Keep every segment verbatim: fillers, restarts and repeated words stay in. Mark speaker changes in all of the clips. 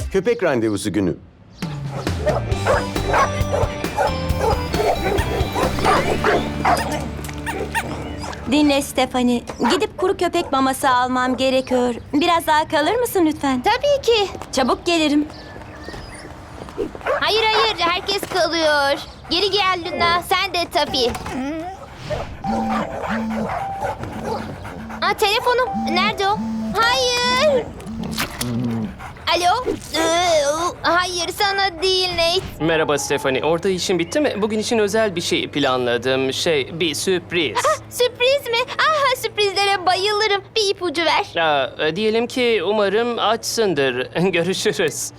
Speaker 1: Köpek randevusu günü.
Speaker 2: Dinle Stephanie. Gidip kuru köpek maması almam gerekiyor. Biraz daha kalır mısın lütfen?
Speaker 3: Tabii ki.
Speaker 2: Çabuk gelirim.
Speaker 3: Hayır hayır, herkes kalıyor. Geri gel Luna, sen de tabii. Aa, telefonum. Nerede o? Hayır. Alo? Ee, Hayır, sana değil Nate.
Speaker 4: Merhaba Stephanie. Orada işin bitti mi? Bugün için özel bir şey planladım. Şey, bir sürpriz.
Speaker 3: Sürpriz mi? Ah, sürprizlere bayılırım. Bir ipucu ver.
Speaker 4: Aa, diyelim ki umarım açsındır. Görüşürüz.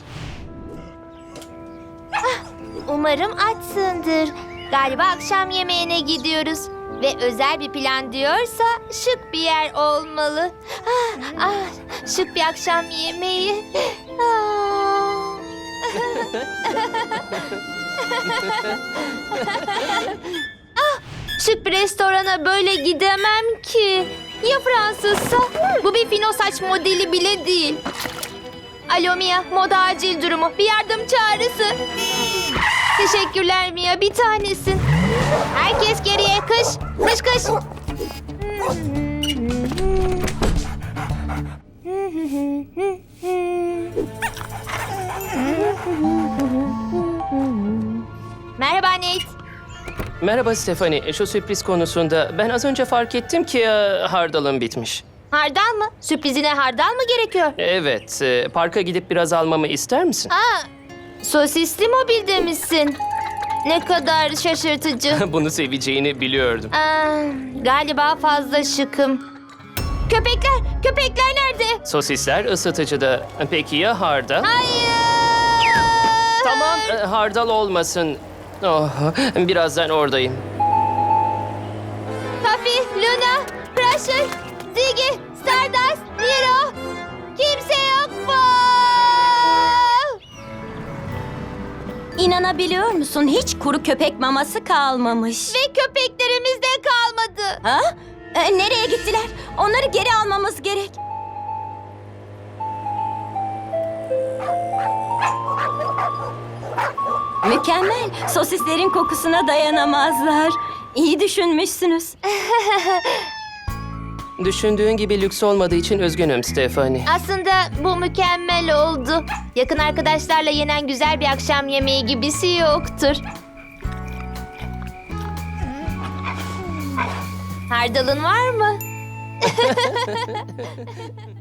Speaker 3: Umarım açsındır. Galiba akşam yemeğine gidiyoruz. Ve özel bir plan diyorsa şık bir yer olmalı. Ah, ah, şık bir akşam yemeği. Ah. Ah, şık bir restorana böyle gidemem ki. Ya Fransızsa? Bu bir fino saç modeli bile değil. Alo Mia, moda acil durumu. Bir yardım çağrısı. Teşekkürler Mia, bir tanesin. Herkes geriye, kış. Kış kış. Merhaba Nate.
Speaker 4: Merhaba Stephanie. Şu sürpriz konusunda ben az önce fark ettim ki e, hardalım bitmiş.
Speaker 3: Hardal mı? Sürprizine hardal mı gerekiyor?
Speaker 4: Evet, e, parka gidip biraz almamı ister misin?
Speaker 3: Aa, sosisli mobilde misin? Ne kadar şaşırtıcı.
Speaker 4: Bunu seveceğini biliyordum.
Speaker 3: Aa, galiba fazla şıkım. Köpekler, köpekler nerede?
Speaker 4: Sosisler ısıtıcıda. Peki ya hardal?
Speaker 3: Hayır!
Speaker 4: Tamam, e, hardal olmasın. Oh, birazdan oradayım.
Speaker 3: Puffy, Luna, Crusher, Ziggy, Stardust, Nero. Kimse yok mu?
Speaker 2: İnanabiliyor musun? Hiç kuru köpek maması kalmamış.
Speaker 3: Ve köpeklerimiz de kalmadı.
Speaker 2: Ha? E, nereye gittiler? Onları geri almamız gerek. Mükemmel. Sosislerin kokusuna dayanamazlar. İyi düşünmüşsünüz.
Speaker 4: Düşündüğün gibi lüks olmadığı için üzgünüm Stephanie.
Speaker 3: Aslında bu mükemmel oldu. Yakın arkadaşlarla yenen güzel bir akşam yemeği gibisi yoktur. Hardalın var mı?